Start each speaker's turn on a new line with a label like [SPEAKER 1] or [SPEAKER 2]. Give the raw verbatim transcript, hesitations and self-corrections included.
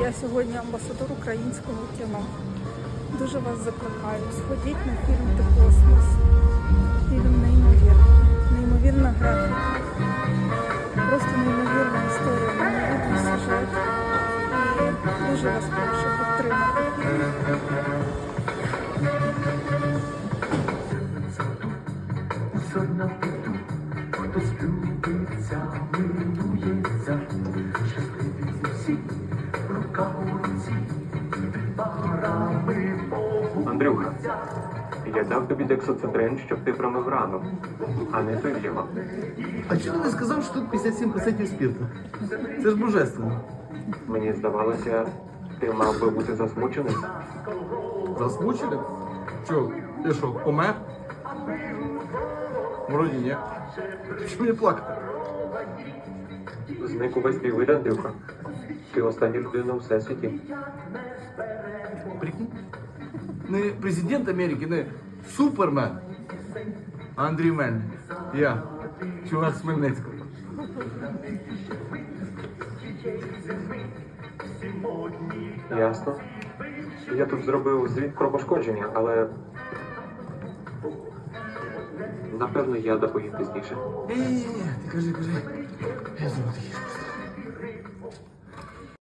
[SPEAKER 1] Я сьогодні амбасадор українського кіно. Дуже вас закликаю. Сходіть на фільм «Ти космос». Фільм неймовірний. Неймовірна графіка. Просто неймовірна історія, неймовірний сюжет. І дуже вас прошу підтримати фільм.
[SPEAKER 2] Хтось любиться, милується, щасливі усі, рука у руці, парами Богу.
[SPEAKER 3] Андрюха, я дав тобі дексоцитрин, щоб ти промив рану, а не пив його.
[SPEAKER 4] А чого ти не сказав, що тут п'ятдесят сім відсотків спирту? Це ж божественно.
[SPEAKER 3] Мені здавалося, ти мав би бути засмучений.
[SPEAKER 4] Засмучили? Чого? Ти що, помер? Вроді ні. Що мені плакати?
[SPEAKER 3] Зник увесь твій вид, Андрюха. Ти остання людина у всесвіті.
[SPEAKER 4] Прикинь? Не президент Америки, не супермен. А Андрій Мельник. Я. Чувак з Хмельницького.
[SPEAKER 3] Ясно. Я тут зробив звіт про пошкодження, але... Напевно, я доповім пізніше.
[SPEAKER 4] Ні-ні-ні, ти кажи, кажи. Я зроблю.